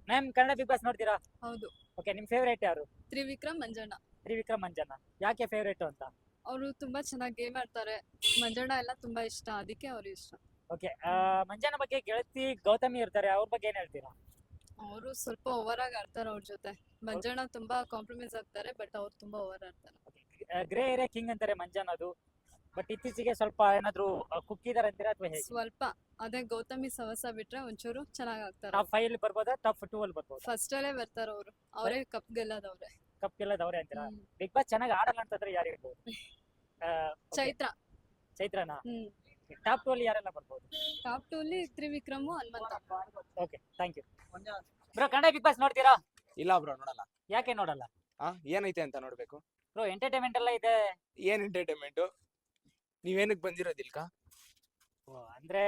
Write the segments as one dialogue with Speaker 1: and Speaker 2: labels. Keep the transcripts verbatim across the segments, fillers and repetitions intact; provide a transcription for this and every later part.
Speaker 1: Ma'am Kannada Bigg Boss ನೋಡ್ತೀರಾ?
Speaker 2: ಹೌದು.
Speaker 1: Okay, ನಿಮ್ ಫೇವರೇಟ್ ಯಾರು?
Speaker 2: ತ್ರಿವಿಕ್ರಮ್ ಮಂಜಣ್ಣ.
Speaker 1: ತ್ರಿವಿಕ್ರಮ್ ಮಂಜಣ್ಣ. ಯಾಕೆ ಫೇವರೇಟ್ ಅಂತ?
Speaker 2: ಅವರು ತುಂಬಾ ಚೆನ್ನಾಗಿ ಗೇಮ್ ಆಡ್ತಾರೆ. ಮಂಜಣ್ಣ ಎಲ್ಲ ತುಂಬಾ ಇಷ್ಟ, ಅದಕ್ಕೆ ಅವ್ರು ಇಷ್ಟ.
Speaker 1: ಓಕೆ, ಮಂಜಣ್ಣ ಬಗ್ಗೆ ಗೆಳತಿ ಗೌತಮಿ ಇರ್ತಾರೆ, ಅವ್ರ ಬಗ್ಗೆ ಏನ್ ಹೇಳ್ತೀರಾ?
Speaker 2: ಅವರು ಸ್ವಲ್ಪ ಓವರ್ ಆಗಿ ಆಡ್ತಾರೆ ಅವ್ರ ಜೊತೆ. ಮಂಜಣ್ಣ ತುಂಬಾ ಕಾಂಪ್ರಮೈಸ್ ಆಗ್ತಾರೆ, ಬಟ್ ಅವ್ರು ತುಂಬಾ ಓವರ್ ಆಡ್ತಾರೆ.
Speaker 1: ಗ್ರೇ ಏರಿಯಾ ಕಿಂಗ್ ಅಂತಾರೆ ಮಂಜಣ್ಣ ಅದು, ಬಟ್ ಇತ್ತೀಚೆಗೆ ಸ್ವಲ್ಪ ಏನಾದ್ರು ಕುಕ್ಕಿದಾರೆ ಅಂತೀರಾ ಅಥವಾ ಹೇಗೆ?
Speaker 2: ಸ್ವಲ್ಪ ಅದೇ ಗೌತಮಿ ಸವಸ ಬಿಟ್ರೆ ಒಂಚೂರು ಚೆನ್ನಾಗಿ ಆಗ್ತಾರೆ.
Speaker 1: ಟಾಪ್ ಫೈವ್ ಅಲ್ಲಿ ಬರ್ಬೋದಾ, ಟಾಪ್ ಟೂ ಅಲ್ಲಿ ಬರ್ಬೋದಾ?
Speaker 2: ಫಸ್ಟ್ ಅಲ್ಲೇ ಬರ್ತಾರೆ ಅವರು. ಅವರೇ ಕಪ್ ಗೆಲ್ಲದವ್ರೆ.
Speaker 1: ಕಪ್ ಗೆಲ್ಲದವ್ರೆ ಅಂತೀರಾ?
Speaker 2: ಹ್ಮ್.
Speaker 1: ಬಿಗ್ ಬಾಸ್ ಚೆನ್ನಾಗಿ ಆಡಲ್ಲ ಅಂತಂದ್ರೆ ಯಾರು ಇರ್ಬೋದು? ಆ, okay,
Speaker 2: ಚೈತ್ರ.
Speaker 1: ಚೈತ್ರನಾ?
Speaker 2: ಹ್ಮ್.
Speaker 1: ಟಾಪ್ ಟೂ ಅಲ್ಲಿ ಯಾರೆಲ್ಲ ಬರ್ಬೋದು?
Speaker 2: ಟಾಪ್ ಟೂ ಅಲ್ಲಿ Trivikram Hanumantha.
Speaker 1: Okay, thank you. Bro, Kannada Bigg Boss ನೋಡ್ತೀರಾ?
Speaker 3: ಇಲ್ಲ ಬ್ರೋ, ನೋಡಲ್ಲ.
Speaker 1: ಯಾಕೆ ನೋಡಲ್ಲ?
Speaker 3: ಆ ಏನೈತೆ ಅಂತ ನೋಡ್ಬೇಕು.
Speaker 1: ಬ್ರೋ, ಎಂಟರ್ಟೈನ್ಮೆಂಟ್ ಎಲ್ಲ ಇದೆ.
Speaker 3: ಏನ್ ಎಂಟರ್ಟೈನ್ಮೆಂಟ್? ನೀವೇನಕ್ ಬಂದಿರೋದಿಲ್ಕ?
Speaker 1: ಓ, ಅಂದ್ರೆ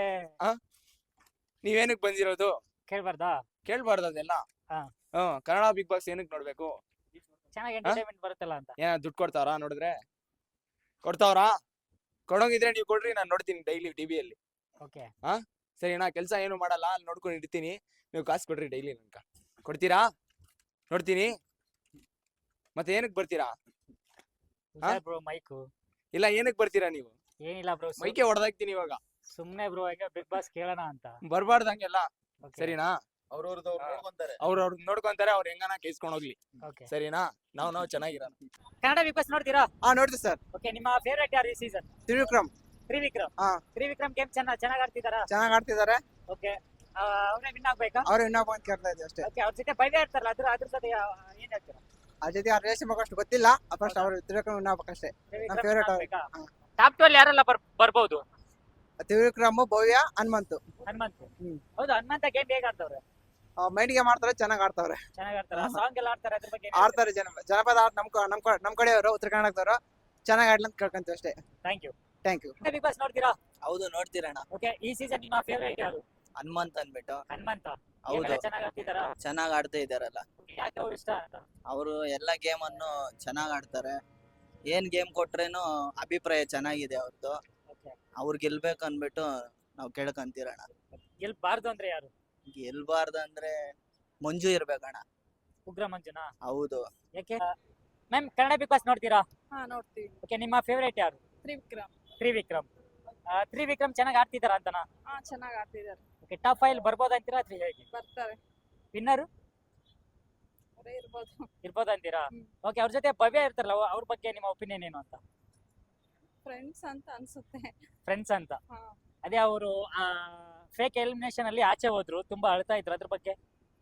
Speaker 3: ನೀವೇನಕ್ ಬಂದಿರೋದು?
Speaker 1: ಕೇಳ್ಬಾರ್ದಾ?
Speaker 3: ಕೇಳ್ಬಾರ್ದು ಅದೆಲ್ಲ.
Speaker 1: ಹಾ.
Speaker 3: ಹ್ಮ್ ಕನ್ನಡ ಬಿಗ್ ಬಾಸ್ ಏನಕ್ ನೋಡ್ಬೇಕು?
Speaker 1: ಚೆನ್ನಾಗಿ ಎಂಟರ್ಟೈನ್ಮೆಂಟ್ ಬರುತ್ತಲ್ಲ ಅಂತ.
Speaker 3: ಏನ ದುಡ್ಡು ಕೊಡ್ತಾವ್ರಾ ನೋಡಿದ್ರೆ? ಕೊಡ್ತಾವ್ರಾ? ಕೊಡೋಂಗಿದ್ರೆ ನೀವು ಕೊಡ್ರಿ, ನಾನು ನೋಡ್ತೀನಿ ಡೈಲಿ ಟಿವಿಯಲ್ಲಿ.
Speaker 1: ಓಕೆ.
Speaker 3: ಸರಿ, ನಾ ಕೆಲಸ ಏನು ಮಾಡಲ್ಲ, ಅಲ್ಲಿ ನೋಡ್ಕೊಂಡು ಇರ್ತೀನಿ. ನೀವು ಕಾಸು ಕೊಡ್ರಿ ಡೈಲಿ ನನ್ಕ. ಕೊಡ್ತೀರಾ? ನೋಡ್ತೀನಿ. ಮತ್ತೆ ಏನಕ್ ಬರ್ತೀರಾ?
Speaker 1: Bro mic.
Speaker 3: ಇಲ್ಲ, ಏನಕ್ ಬರ್ತೀರಾ ನೀವು?
Speaker 1: ಏನಿಲ್ಲ ಬ್ರೋ,
Speaker 3: ಮೈಕೆ ಹೊಡೆದಾಕ್ತೀನಿ ಇವಾಗ.
Speaker 1: ಸುಮ್ನೆ ಬ್ರೋ, ಈಗ ಬಿಗ್ ಬಾಸ್ ಕೇಳೋಣ ಅಂತ.
Speaker 3: ಬರ್ಬಾರ್ದು ಹಂಗೆಲ್ಲ.
Speaker 1: Okay.
Speaker 3: ಸರಿನಾ?
Speaker 4: ಅವ್ರವ್ರದ್ದು ಅವ್ರು ನೋಡ್ಕೊಂತಾರೆ.
Speaker 3: ಅವ್ರು ಅವ್ರು ನೋಡ್ಕೊಂತಾರೆ, ಅವ್ರು ಹೆಂಗನ ಕೇಸ್ಕೊಂಡು ಹೋಗ್ಲಿ.
Speaker 1: Okay.
Speaker 3: ಸರಿನಾ? ನಾವು ನಾವು ಚೆನ್ನಾಗಿರೋಣ.
Speaker 1: ಕನ್ನಡ ಬಿಗ್ ಬಾಸ್ ನೋಡ್ತೀರಾ?
Speaker 5: ಹಾ ನೋಡ್ತೀವಿ ಸರ್.
Speaker 1: ಓಕೆ, ನಿಮ್ಮ ಫೇವರೇಟ್ ಯಾರು ಈ ಸೀಸನ್?
Speaker 5: ತ್ರಿವಿಕ್ರಮ್.
Speaker 1: ತ್ರಿವಿಕ್ರಮ್.
Speaker 5: ಹಾ.
Speaker 1: ತ್ರಿವಿಕ್ರಮ್ ಗೇಮ್ ಚೆನ್ನಾಗಿ ಚೆನ್ನಾಗಿ ಆಡ್ತಿದಾರಾ?
Speaker 5: ಚೆನ್ನಾಗಿ ಆಡ್ತಿದ್ದಾರೆ.
Speaker 1: ಓಕೆ, ಅವರೇ ವಿನ್ ಆಗ್ಬೇಕಾ?
Speaker 5: ಅವ್ರು ಇನ್ನೊಬ್ಬ ಅಂತ ಕೇಳ್ತಾ ಇದ್ದೀವಿ ಅಷ್ಟೇ.
Speaker 1: ಓಕೆ, ಅವ್ರ ಜೊತೆ ಭವ್ಯ ಇರ್ತಾರಲ್ಲ, ಅದ್ರ ಅದ್ರ ಜೊತೆ ಯಾ- ಏನ್ ಹೇಳ್ತೀರಾ?
Speaker 5: ಆ ಜೊತೆ ಆ ರೇಷನ್ ಬಗ್ಗೆ ಅಷ್ಟು ಗೊತ್ತಿಲ್ಲ. ಫಸ್ಟ್ ಅವ್ರು ತ್ರಿವಿಕ್ರಮ್ ಇನ್ನೊಬ್ಬಕ್ಕಷ್ಟೇ.
Speaker 1: ತ್ರಿವಿಕ್ರಮ್
Speaker 5: favorite
Speaker 1: win
Speaker 5: ಅವ್ರು.
Speaker 1: ಆಗ್ಬೇಕಾ?
Speaker 5: ಹಾ.
Speaker 1: ಟಾಪ್ ಟು ಅಲ್ಲಿ ಯಾರೆಲ್ಲ ಬರ್ ಬರ್ಬೋದು?
Speaker 5: ತ್ರಿವಿಕ್ರಮ್, ಭವ್ಯ, ಹನುಮಂತು.
Speaker 1: ಹನುಮಂತ್.
Speaker 5: ಹ್ಮ್.
Speaker 1: ಹೌದು, ಹನುಮಂತ ಗೇಮ್ ಹೇಗ್ ಆಡ್ತವ್ರೆ?
Speaker 5: ಮೈಂಡ್ಗೆ ಮಾಡ್ತಾರೆ, ಚೆನ್ನಾಗಿ ಆಡ್ತಾವ್ರೆ.
Speaker 1: ಚೆನ್ನಾಗಿ ಆಡ್ತಾರ?
Speaker 5: ಹಾ.
Speaker 1: ಸಾಂಗ್ ಎಲ್ಲ ಆಡ್ತಾರೆ, ಅದ್ರ ಬಗ್ಗೆ
Speaker 5: ಆಡ್ತಾರೆ. ಜನ ಜನಪದ ಆಟ ನಮ್ ಕ- ನಮ್ ಕ- ನಮ್ ಕಡೆಯವರು, ಉತ್ತರ ಕರ್ನಾಟಕದವರು ಚೆನ್ನಾಗಿ ಆಡ್ಲಿ ಅಂತ ಕೇಳ್ಕೊಂತೀವಿ ಅಷ್ಟೇ.
Speaker 1: Thank you.
Speaker 5: Thank you.
Speaker 1: Bigg Boss ನೋಡ್ತೀರಾ?
Speaker 6: ಹೌದು, ನೋಡ್ತೀರಣ್ಣ.
Speaker 1: ಓಕೆ, ಈ ಸೀಸನ್ ನಿಮ್ಮ ಫೇವರೇಟ್ ಯಾರು?
Speaker 6: ಹನುಮಂತ್ ಅನ್ಬಿಟ್ಟು
Speaker 1: ಹನುಮಂತ.
Speaker 6: ಹೌದು,
Speaker 1: ಚೆನ್ನಾಗಿ ಆಡ್ತಿದಾರಾ?
Speaker 6: ಚೆನ್ನಾಗ್ ಆಡ್ತಾ ಇದಾರಲ್ಲ.
Speaker 1: ಯಾಕೆ ಅವ್ರು ಇಷ್ಟ ಅಂತ?
Speaker 6: ಅವರು ಎಲ್ಲ ಗೇಮ್ ಅನ್ನು ಚೆನ್ನಾಗ್ ಆಡ್ತಾರೆ. ಏನ್ ಗೇಮ್ ಕೊಟ್ರೇನು ಅಭಿಪ್ರಾಯ ಚೆನ್ನಾಗಿದೆ ಅವ್ರದ್ದು.
Speaker 1: ಓಕೆ,
Speaker 6: ಅವ್ರು ಗೆಲ್ಬೇಕು ಅನ್ಬಿಟ್ಟು ನಾವ್ ಕೇಳ್ಕಂತೀರಣ್ಣ.
Speaker 1: ಗೆಲ್ಬಾರ್ದು ಅಂದ್ರೆ ಯಾರು?
Speaker 6: ಗೆಲ್ಬಾರ್ದಂದ್ರೆ ಮಂಜು ಇರ್ಬೇಕಣ್ಣ.
Speaker 1: ಉಗ್ರ ಮಂಜುನಾ?
Speaker 6: ಹೌದು.
Speaker 1: ಯಾಕೆ? ಮ್ಯಾಮ್, ಕನ್ನಡ ಬಿಗ್ ಬಾಸ್ ನೋಡ್ತೀರಾ?
Speaker 2: ಹಾ ನೋಡ್ತೀವಿ.
Speaker 1: ಓಕೆ, ನಿಮ್ಮ ಫೇವರೇಟ್ ಯಾರು?
Speaker 2: ತ್ರಿವಿಕ್ರಮ್.
Speaker 1: ತ್ರಿವಿಕ್ರಮ್. ಆ, ತ್ರಿವಿಕ್ರಮ್ ಚೆನ್ನಾಗಿ ಆಡ್ತಿದಾರ ಅಂತನಾ?
Speaker 2: ಹಾ ಚೆನ್ನಾಗಿ ಆಡ್ತಿದ್ದಾರೆ.
Speaker 1: ಓಕೆ, ಟಾಪ್ ಫೈವ್ ಬರ್ಬೋದ ಅಂತೀರಾ ಅಥವಾ ಹೇಗೆ?
Speaker 2: ಬರ್ತಾರೆ.
Speaker 1: ವಿನ್ನರು
Speaker 2: ಅವರೇ ಇರ್ಬೋದು.
Speaker 1: ಇರ್ಬೋದ ಅಂತೀರಾ?
Speaker 2: ಹ್ಮ್.
Speaker 1: ಓಕೆ, ಅವ್ರ ಜೊತೆ ಭವ್ಯ ಇರ್ತಾರಲ್ಲ, ಅವ್- ಅವ್ರ ಬಗ್ಗೆ ನಿಮ್ಮ ಒಪಿನಿಯನ್ ಏನು ಅಂತ?
Speaker 2: ಫ್ರೆಂಡ್ಸ್ ಅಂತ ಅನ್ಸುತ್ತೆ.
Speaker 1: ಫ್ರೆಂಡ್ಸ್ ಅಂತ.
Speaker 2: ಹಾ.
Speaker 1: ಅದೇ ಅವರು ಫೇಕ್ ಎಲಿಮಿನೇಷನ್ ಅಲ್ಲಿ ಆಚೆ ಹೋದ್ರು, ತುಂಬಾ ಅಳ್ತಾ ಇದ್ರು, ಅದ್ರ ಬಗ್ಗೆ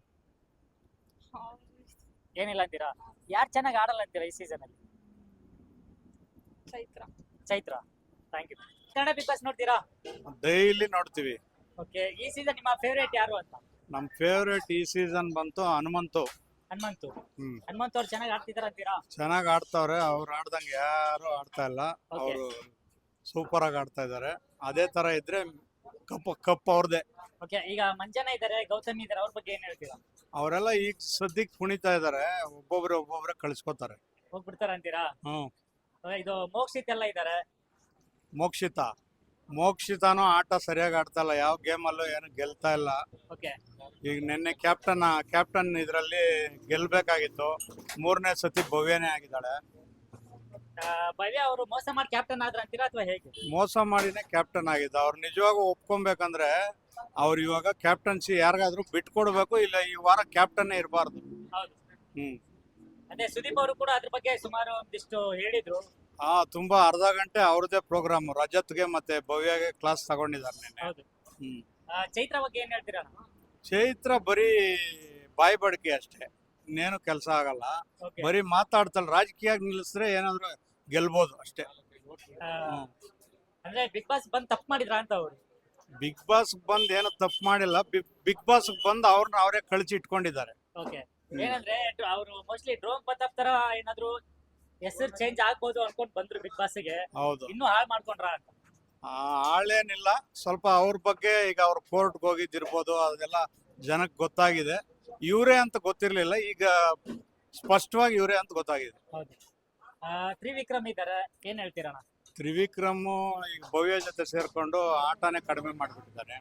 Speaker 2: ಅವ್ರು
Speaker 1: ಏನಿಲ್ಲ ಅಂತೀರಾ? ಯಾರು ಚೆನ್ನಾಗಿ ಆಡಲ್ಲ ಅಂತೀರಾ ಈ ಸೀಸನ್ ಅಲ್ಲಿ?
Speaker 2: Chaitra.
Speaker 1: Chaitra. Thank you. Kannada Bigg Boss ನೋಡ್ತೀರಾ?
Speaker 4: ಡೈಲಿ ನೋಡ್ತೀವಿ.
Speaker 1: ಓಕೆ, ಈ ಸೀಸನ್ ನಿಮ್ಮ ಫೇವರೇಟ್ ಯಾರು ಅಂತ?
Speaker 4: ನಮ್ ಫೇವ್ರೇಟ್ ಈ ಸೀಸನ್ ಬಂತು ಹನುಮಂತು.
Speaker 1: ಹನುಮಂತು.
Speaker 4: ಹ್ಮ್
Speaker 1: ಹನುಮಂತ್ ಅವ್ರು ಚೆನ್ನಾಗಿ ಆಡ್ತಿದಾರ ಅಂತೀರಾ?
Speaker 4: ಚೆನ್ನಾಗ್ ಆಡ್ತಾವ್ರೆ. ಅವ್ರು ಆಡ್ದಂಗೆ ಯಾರು ಆಡ್ತಾ ಇಲ್ಲ.
Speaker 1: Okay.
Speaker 4: ಅವರು ಸೂಪರ್ ಆಗಿ ಆಡ್ತಾ ಇದಾರೆ. ಅದೇ ತರ ಇದ್ರೆ ಕಪ್ ಕಪ್ ಅವ್ರದೇ.
Speaker 1: ಓಕೆ, ಈಗ ಮಂಜನ ಇದಾರೆ, ಗೌತಮಿ ಇದಾರೆ, ಅವ್ರ ಬಗ್ಗೆ ಏನ್ ಹೇಳ್ತೀರಾ?
Speaker 4: ಅವರೆಲ್ಲ ಈಗ ಸದ್ಯಕ್ ಕುಣಿತಾ ಇದಾರೆ. ಒಬ್ಬೊಬ್ರೆ ಒಬ್ಬೊಬ್ರೆ ಕಳ್ಸ್ಕೊತಾರೆ.
Speaker 1: ಹೋಗ್ಬಿಡ್ತಾರ ಅಂತೀರಾ?
Speaker 4: ಹ್ಮ್
Speaker 1: Okay, ಇದು ಮೋಕ್ಷಿತ್ ಎಲ್ಲ ಇದಾರೆ.
Speaker 4: ಮೋಕ್ಷಿತ ಮೋಕ್ಷಿತಾನು ಆಟ ಸರಿಯಾಗಿ ಆಡ್ತಾ ಇಲ್ಲ. ಯಾವ ಗೇಮ್ ಅಲ್ಲೂ ಏನು ಗೆಲ್ತಾ ಇಲ್ಲ.
Speaker 1: ಓಕೆ,
Speaker 4: ಈಗ ನಿನ್ನೆ ಕ್ಯಾಪ್ಟನ್ ಕ್ಯಾಪ್ಟನ್ ಇದ್ರಲ್ಲಿ ಗೆಲ್ಬೇಕಾಗಿತ್ತು. ಮೂರನೇ ಸತಿ ಭವ್ಯನೇ ಆಗಿದ್ದಾಳೆ.
Speaker 1: ಭವ್ಯ ಅವರು ಮೋಸ ಮಾಡಿ ಕ್ಯಾಪ್ಟನ್ ಆದ್ರ ಅಂತೀರಾ ಅಥವಾ ಹೇಗೆ?
Speaker 4: ಮೋಸ ಮಾಡಿನೇ ಕ್ಯಾಪ್ಟನ್ ಆಗಿದ್ದ. ಅವ್ರು ನಿಜವಾಗೂ ಒಪ್ಕೊಬೇಕಂದ್ರೆ ಅವ್ರು ಇವಾಗ ಕ್ಯಾಪ್ಟನ್ಸಿ ಯಾರಿಗಾದ್ರೂ ಬಿಟ್ಕೊಡ್ಬೇಕು, ಇಲ್ಲ ಈ ವಾರ ಕ್ಯಾಪ್ಟನ್ ಇರಬಾರ್ದು.
Speaker 1: ಹೌದು.
Speaker 4: ಹ್ಮ್
Speaker 1: ಅದೇ ಸುದೀಪ್ ಅವರು ಕೂಡ ಅದ್ರ ಬಗ್ಗೆ ಸುಮಾರು ಒಂದಿಷ್ಟು ಹೇಳಿದ್ರು.
Speaker 4: ಆ ತುಂಬಾ ಅರ್ಧ ಗಂಟೆ ಅವ್ರದೇ ಪ್ರೋಗ್ರಾಮ್. ರಜತ್ಗೆ ಮತ್ತೆ ಭವ್ಯಗೆ ಕ್ಲಾಸ್ ತಗೊಂಡಿದ್ದಾರೆ ನಿನ್ನೆ.
Speaker 1: ಹೌದು.
Speaker 4: ಹ್ಮ್
Speaker 1: ಆ, ಚೈತ್ರ ಬಗ್ಗೆ ಏನ್ ಹೇಳ್ತೀರಾ?
Speaker 4: ಚೈತ್ರ ಬರೀ ಬಾಯಿ ಬಡಿಕೆ ಅಷ್ಟೇ, ಇನ್ನೇನು ಕೆಲಸ ಆಗಲ್ಲ.
Speaker 1: Okay.
Speaker 4: ಬರೀ ಮಾತಾಡ್ತಲ್ಲ. ರಾಜಕೀಯ ನಿಲ್ಲಿಸಿದ್ರೆ ಏನಾದ್ರು ಗೆಲ್ಬೋದು ಅಷ್ಟೇ.
Speaker 1: ಆ, ಅಂದ್ರೆ ಬಿಗ್ ಬಾಸ್ ಬಂದ್ ತಪ್ಪು ಮಾಡಿದ್ರ ಅಂತ ಅವ್ರು?
Speaker 4: ಬಿಗ್ ಬಾಸ್ ಬಂದ್ ಏನೋ ತಪ್ಪು ಮಾಡಿಲ್ಲ. ಬಿಗ್ ಬಾಸ್ ಬಂದ್ ಅವ್ರನ್ನ ಅವರೇ ಕಳಿಸಿ ಇಟ್ಕೊಂಡಿದ್ದಾರೆ.
Speaker 1: ಓಕೆ, ಏನಂದ್ರೆ ಅವರು ಮೋಸ್ಟ್ಲಿ ಡ್ರೋನ್ ಪ್ರತಾಪ್ ತರ ಏನಾದ್ರು ಹೆಸರು ಚೇಂಜ್ ಆಗ್ಬೋದು ಅನ್ಕೊಂಡ್ ಬಂದ್ರು ಬಿಗ್ ಬಾಸ್ ಗೆ.
Speaker 4: ಹೌದು.
Speaker 1: ಇನ್ನೂ ಹಾಳು ಮಾಡ್ಕೊಂಡ್ರ ಅಂತ?
Speaker 4: ಆ, ಆಳೇನಿಲ್ಲ. ಸ್ವಲ್ಪ ಅವ್ರ ಬಗ್ಗೆ ಈಗ ಅವ್ರ ಕೋರ್ಟ್ಗೆ ಹೋಗಿದ್ದಿರ್ಬೋದು, ಅದೆಲ್ಲ ಜನಕ್ಕೆ ಗೊತ್ತಾಗಿದೆ. ಇವರೇ ಅಂತ ಗೊತ್ತಿರ್ಲಿಲ್ಲ, ಈಗ ಸ್ಪಷ್ಟವಾಗಿ ಇವರೇ ಅಂತ ಗೊತ್ತಾಗಿದೆ.
Speaker 1: ಹೌದು. ಆ, ತ್ರಿವಿಕ್ರಮ್ ಇದಾರೆ, ಏನ್ ಹೇಳ್ತೀರಣ್ಣ?
Speaker 4: ತ್ರಿವಿಕ್ರಮ್ ಈಗ ಭವ್ಯ ಜೊತೆ ಸೇರ್ಕೊಂಡು ಆಟನೇ ಕಡಿಮೆ ಮಾಡ್ಬಿಟ್ಟಿದ್ದಾರೆ.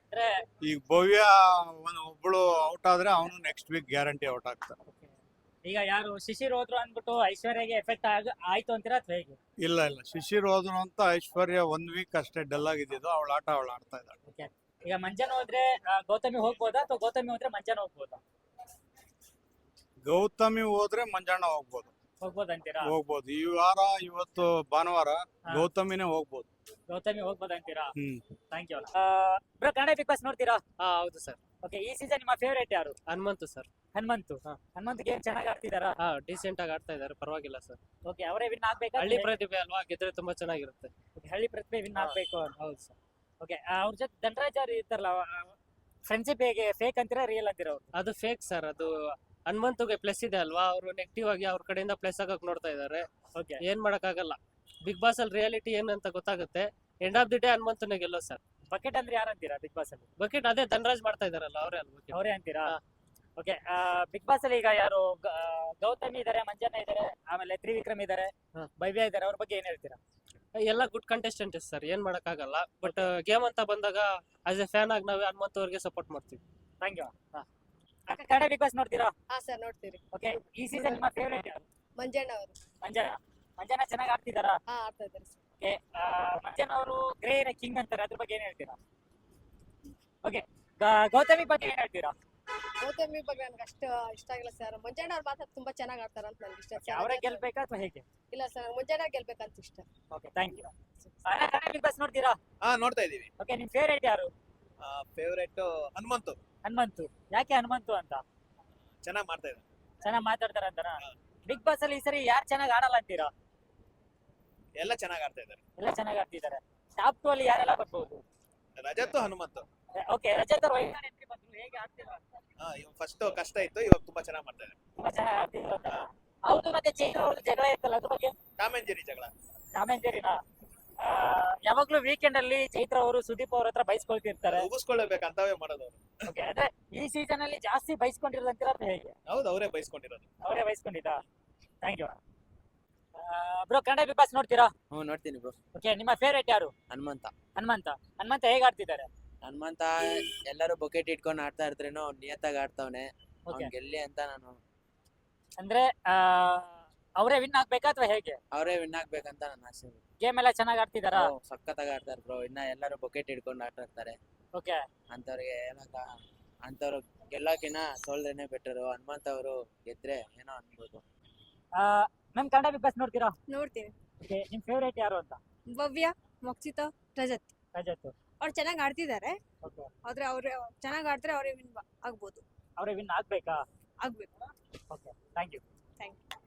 Speaker 1: ಅಂದ್ರೆ
Speaker 4: ಈಗ ಭವ್ಯ ಒಂದ್ ಒಬ್ಳು ಔಟ್ ಆದ್ರೆ ಅವನು ನೆಕ್ಸ್ಟ್ ವೀಕ್ ಗ್ಯಾರಂಟಿ ಔಟ್ ಆಗ್ತಾನೆ.
Speaker 1: ಈಗ ಯಾರು ಶಿಶಿರ್ ಹೋದ್ರು ಅಂದ್ಬಿಟ್ಟು ಐಶ್ವರ್ಯಗೆ ಎಫೆಕ್ಟ್ ಆಗ ಆಯ್ತು ಅಂತೀರಾ ಅಥವಾ ಹೇಗೆ?
Speaker 4: ಇಲ್ಲ ಇಲ್ಲ ಶಿಶಿರ್ ಹೋದ್ರು ಅಂತ ಐಶ್ವರ್ಯ ಒಂದ್ ವೀಕ್ ಅಷ್ಟೇ ಡಲ್ ಆಗಿದ್ದು, ಅವಳ ಆಟ ಅವಳು ಆಡ್ತಾ ಇದ್ದಾಳೆ.
Speaker 1: ಈಗ ಮಂಜನ್ ಹೋದ್ರೆ ಆ, ಗೌತಮಿ ಹೋಗ್ಬೋದಾ ಅಥವಾ ಗೌತಮಿ ಹೋದ್ರೆ ಮಂಜನ್ ಹೋಗ್ಬೋದಾ?
Speaker 4: ಗೌತಮಿ ಹೋದ್ರೆ ಮಂಜಣ್ಣ ಹೋಗ್ಬೋದು
Speaker 1: ಹೋಗ್ಬೋದು ಅಂತೀರಾ?
Speaker 4: ಹೋಗ್ಬೋದು ಈ ವಾರ ಇವತ್ತು ಭಾನುವಾರ
Speaker 1: ಹಾ.
Speaker 4: ಗೌತಮಿನೇ ಹೋಗ್ಬೋದು.
Speaker 1: ಗೌತಮಿ ಹೋಗ್ಬೋದು ಅಂತೀರಾ?
Speaker 4: ಹ್ಮ್
Speaker 1: thank you. Bro Kannada Bigg Boss ನೋಡ್ತೀರಾ?
Speaker 7: ಹಾ ಹೌದು ಸರ್.
Speaker 1: ಓಕೆ, ಈ ಸೀಸನ್ ನಿಮ್ಮ ಫೇವರೇಟ್ ಯಾರು?
Speaker 7: ಹನುಮಂತು ಸರ್.
Speaker 1: ಹನುಮಂತು.
Speaker 7: ಹಾ.
Speaker 1: ಹನುಮಂತ್ ಗೇಮ್ ಚೆನ್ನಾಗಿ ಆಡ್ತಿದಾರಾ?
Speaker 7: ಹಾ ಡಿಸೆಂಟ್ ಆಗಿ ಆಡ್ತಾ ಇದಾರೆ, ಪರವಾಗಿಲ್ಲ ಸರ್.
Speaker 1: ಓಕೆ, ಅವರೇ ವಿನ್ ಆಗ್ಬೇಕಾ?
Speaker 7: ಹಳ್ಳಿ ಪ್ರತಿಭೆ ಅಲ್ವಾ, ಗೆದ್ರೆ ತುಂಬಾ ಚೆನ್ನಾಗಿರುತ್ತೆ.
Speaker 1: Okay, ಹಳ್ಳಿ ಪ್ರತಿಭೆ ವಿನ್
Speaker 7: ಹಾ.
Speaker 1: ಆಗ್ಬೇಕು ಅಂತ.
Speaker 7: ಹೌದು ಸರ್.
Speaker 1: ಓಕೆ, ಅವ್ರ ಜೊತೆ ಧನರಾಜ್ ಅವ್ರು ಇರ್ತಾರಲ್ಲ, ಫ್ರೆಂಡ್ಶಿಪ್ ಹೇಗೆ ಫೇಕ್ ಅಂತೀರಾ ರಿಯಲ್ ಅಂತೀರಾ ಅವ್ರು?
Speaker 7: ಅದು ಫೇಕ್ ಸರ್. ಅದು ಹನುಮಂತುಗೆ ಪ್ಲಸ್ ಇದೆ ಅಲ್ವಾ, ಅವರು ನೆಗೆಟಿವ್ ಆಗಿ ಅವ್ರ ಕಡೆಯಿಂದ ಪ್ಲಸ್ ಆಗಕ್ ನೋಡ್ತಾ ಇದಾರೆ.
Speaker 1: ಓಕೆ,
Speaker 7: ಏನ್ ಮಾಡಕ್ಕಾಗಲ್ಲ. ಬಿಗ್ ಬಾಸ್ ಅಲ್ಲಿ ರಿಯಾಲಿಟಿ ಏನಂತ ಗೊತ್ತಾಗುತ್ತೆ. ಎಂಡ್ ಆಫ್ ದಿ ಡೇ ಹನುಮಂತನೇ ಗೆಲ್ಲೋ ಸರ್.
Speaker 1: ಬಕೆಟ್ ಅಂದ್ರೆ ಯಾರು ಅಂತೀರಾ ಬಿಗ್ ಬಾಸ್ ಅಲ್ಲಿ?
Speaker 7: ಬಕೆಟ್ ಅದೇ ಧನರಾಜ್ ಮಾಡ್ತಾ ಇದಾರಲ್ಲ, ಅವರೇ ಅಲ್ವಾ bucket.
Speaker 1: ಅವರೇ ಅಂತೀರಾ?
Speaker 7: ಹಾ.
Speaker 1: ಓಕೆ, ಬಿಗ್ ಬಾಸ್ ಅಲ್ಲಿ ಈಗ ಯಾರು ಗ- ಆ, ಗೌತಮಿ ಇದಾರೆ, ಮಂಜಣ್ಣ ಇದಾರೆ, ಆಮೇಲೆ ತ್ರಿವಿಕ್ರಮ್ ಇದಾರೆ,
Speaker 7: ಹಾ.
Speaker 1: ಭವ್ಯ ಇದಾರೆ, ಅವ್ರ ಬಗ್ಗೆ ಏನ್ ಹೇಳ್ತೀರಾ?
Speaker 7: ಎಲ್ಲ ಗುಡ್ ಕಂಟೆಸ್ಟೆಂಟ್ ಸರ್, ಏನ್ ಮಾಡಕ್ಕಾಗಲ್ಲ. ಬಟ್ ಗೇಮ್ ಅಂತ ಬಂದಾಗ ಆಸ್ ಎ ಫ್ಯಾನ್ ಆಗಿ ನಾವೇ ಹನುಮಂತ ಅವ್ರಿಗೆ ಸಪೋರ್ಟ್ ಮಾಡ್ತೀವಿ.
Speaker 1: Thank you. ಅಕ್ಕ ಕನ್ನಡ ಬಿಗ್ ಬಾಸ್ ನೋಡ್ತೀರಾ?
Speaker 2: ಹಾ ಸರ್ ನೋಡ್ತೀರಿ.
Speaker 1: ಓಕೆ, ಈ ಸೀಸನ್ ನಿಮ್ಮ ಫೇವರೇಟ್ ಯಾರು?
Speaker 2: ಮಂಜಣ್ಣ ಅವರು
Speaker 1: ಮಂಜಣ್ಣ. ಮಂಜಣ್ಣ ಚೆನ್ನಾಗಿ ಆಡ್ತಿದಾರಾ?
Speaker 2: ಹಾ ಆಡ್ತಾ ಇದ್ದಾರೆ ಸರ್.
Speaker 1: ಓಕೆ, ಮಂಜಣ್ಣ ಅವರು ಗ್ರೇ ಕಿಂಗ್ ಅಂತಾರೆ, ಅದ್ರ ಬಗ್ಗೆ ಏನ್ ಹೇಳ್ತೀರಾ? ಓಕೆ, ಗೌತಮಿ ಬಗ್ಗೆ ಏನ್ ಹೇಳ್ತೀರಾ?
Speaker 2: ಗೌತಮಿ ಬಗ್ಗೆ ನನ್ಗೆ ಅಷ್ಟು ಇಷ್ಟ ಆಗಿಲ್ಲ ಸರ್. ಮಂಜಣ್ಣ ಅವ್ರು ಮಾತ್ರ ತುಂಬಾ ಚೆನ್ನಾಗಿ ಆಡ್ತಾರ ಅಂತ ನನ್ಗೆ ಇಷ್ಟ.
Speaker 1: Okay, ಅವರೇ ಗೆಲ್ಬೇಕಾ ಅಥವಾ ಹೇಗೆ?
Speaker 2: ಇಲ್ಲ ಸರ್, ಮಂಜಣ್ಣ ಗೆಲ್ಬೇಕಂತ ಇಷ್ಟ.
Speaker 1: Okay, thank you. Kannada Bigg Boss ನೋಡ್ತೀರಾ?
Speaker 8: ಹಾ ನೋಡ್ತಾ ಇದೀವಿ.
Speaker 1: ಓಕೆ, ನಿಮ್ ಫೇವರೇಟ್ ಯಾರು?
Speaker 8: ಫೇವರೇಟ್ ಹನುಮಂತು,
Speaker 1: ಹನುಮಂತು. ಯಾಕೆ ಹನುಮಂತು ಅಂತ?
Speaker 8: ಚೆನ್ನಾಗಿ ಮಾಡ್ತಾ ಇದ್ದಾರೆ.
Speaker 1: ಚೆನ್ನಾಗಿ ಮಾತಾಡ್ತಾರ ಅಂತಾರ? ಬಿಗ್ ಬಾಸ್ ಅಲ್ಲಿ ಈ ಸರಿ ಯಾರು ಚೆನ್ನಾಗಿ ಆಡಲ್ಲ ಅಂತೀರಾ?
Speaker 8: ಎಲ್ಲ ಚೆನ್ನಾಗಿ ಆಡ್ತಾ ಇದ್ದಾರೆ.
Speaker 1: ಎಲ್ಲ ಚೆನ್ನಾಗಿ ಆಡ್ತಿದ್ದಾರೆ. ಟಾಪ್ ಟು ಅಲ್ಲಿ ಯಾರೆಲ್ಲ ಬರ್ಬೋದು?
Speaker 8: ರಜತ್ತು ಹನುಮಂತು.
Speaker 1: ಓಕೆ, ರಜತ್ ಅವರು ವೈಲ್ಡ್ ಕಾರ್ಡ್ ಎಂಟ್ರಿ ಬಂದ್ರು, ಹೇಗೆ ಆಡ್ತಿದ್ರು ಅಂತ?
Speaker 8: ಹಾ ಇವಾಗ ಫಸ್ಟ್ ಕಷ್ಟ ಇತ್ತು, ಇವಾಗ ತುಂಬಾ ಚೆನ್ನಾಗಿ ಮಾಡ್ತಾ ಇದ್ದಾರೆ.
Speaker 1: ತುಂಬಾ ಚೆನ್ನಾಗಿ ಆಡ್ತಿದ್ರು ಅಂತ. ಹೌದು, ಮತ್ತೆ ಚೈತ್ರ ಅವ್ರದ್ದು ಜಗಳ ಇತ್ತಲ್ಲ, ಅದ್ರ ಬಗ್ಗೆ?
Speaker 8: ಟಾಮ್ ಅಂಡ್ ಜೆರಿ ಜಗಳ.
Speaker 1: ಕಾಮೆಂಟರಿನಾ? ಯಾವಾಗ್ಲೂ ವೀಕೆಂಡ್ ಅಲ್ಲಿ ಚೈತ್ರ ಅವರು ಸುದೀಪ್ ಅವ್ರ ಹತ್ರ ಬೈಸ್ಕೊಳ್ತಿರ್ತಾರೆ.
Speaker 8: ಮುಗಿಸ್ಕೊಳ್ಳಬೇಕು ಅಂತವೇ ಮಾಡೋದು ಅವ್ರು.
Speaker 1: ಓಕೆ, ಅಂದ್ರೆ ಈ ಸೀಸನ್ ಅಲ್ಲಿ ಜಾಸ್ತಿ ಬೈಸ್ಕೊಂಡಿರೋದಂತೀರಾ ಅಥವಾ ಹೇಗೆ?
Speaker 8: ಹೌದು, ಅವರೇ ಬೈಸ್ಕೊಂಡಿರೋದು.
Speaker 1: ಅವರೇ ಬೈಸ್ಕೊಂಡಿದ್ದ? Thank you. Bro Kannada Bigg Boss ನೋಡ್ತೀರಾ?
Speaker 9: ಹ್ಞೂ ನೋಡ್ತೀನಿ ಬ್ರೋ.
Speaker 1: ಓಕೆ, ನಿಮ್ಮ ಫೇವರೇಟ್ ಯಾರು?
Speaker 9: ಹನುಮಂತ.
Speaker 1: ಹನುಮಂತ. ಹನುಮಂತ ಹೇಗೆ ಆಡ್ತಿದ್ದಾರೆ?
Speaker 9: ಹನುಮಂತ ಎಲ್ಲರೂ ಬಕೆಟ್ ಇಟ್ಕೊಂಡು ಆಡ್ತಾ ಇರ್ತಾರೇನೋ, ಅವ್ನು ನಿಯತ್ತಾಗಿ ಆಡ್ತಾವನೆ.
Speaker 1: ಓಕೆ,
Speaker 9: ಅವ್ನು ಗೆಲ್ಲಿ ಅಂತ ನಾನು
Speaker 1: ಅಂದ್ರೆ ಅವರೇ ವಿನ್ ಆಗ್ಬೇಕಾ ಅಥವಾ ಹೇಗೆ?
Speaker 9: ಅವರೇ ವಿನ್ ಆಗ್ಬೇಕಂತ ನನ್ನ ಆಸೆ.
Speaker 1: ಗೇಮ್ ಎಲ್ಲ ಚೆನ್ನಾಗಿ ಆಡ್ತಿದಾರಾ?
Speaker 9: ಓ, ಸಖತ್ತಾಗಿ ಆಡ್ತಾರೆ ಬ್ರೋ. ಇನ್ನ ಎಲ್ಲರೂ ಬಕೆಟ್ ಇಟ್ಕೊಂಡು ಆಡ್ತಾ ಇರ್ತಾರೆ.
Speaker 1: ಓಕೆ,
Speaker 9: ಅಂತವ್ರಿಗೆ ಏನಕ್ಕ ಅಂತವ್ರು ಗೆಲ್ಲೋಕಿನ ಸೋಲ್ದೇನೆ ಬೆಟರು. ಹನುಮಂತ ಅವರು ಗೆದ್ರೆ ಏನೋ ಅನ್ಬೋದು.
Speaker 1: ಮ್ಯಾಮ್ ಕನ್ನಡ ಬಿಗ್ ಬಾಸ್ ನೋಡ್ತೀರಾ?
Speaker 2: ನೋಡ್ತೀನಿ.
Speaker 1: ಓಕೆ, ನಿಮ್ ಫೇವರೇಟ್ ಯಾರು ಅಂತ?
Speaker 2: ಭವ್ಯ, ಮೋಕ್ಷಿತ, ರಜತ್
Speaker 1: ರಜತ್.
Speaker 2: ಅವ್ರು ಚೆನ್ನಾಗಿ ಆಡ್ತಿದ್ದಾರೆ.
Speaker 1: ಓಕೆ,
Speaker 2: ಆದ್ರೆ ಅವ್ರೆ ಚೆನ್ನಾಗಿ ಆಡ್ತಾರೆ, ಅವರೇ ವಿನ್ ಆಗ್ಬೋದು.
Speaker 1: ಅವರೇ ವಿನ್ ಆಗ್ಬೇಕಾ?
Speaker 2: ಆಗ್ಬೇಕು.
Speaker 1: Okay, thank you.
Speaker 2: Thank you.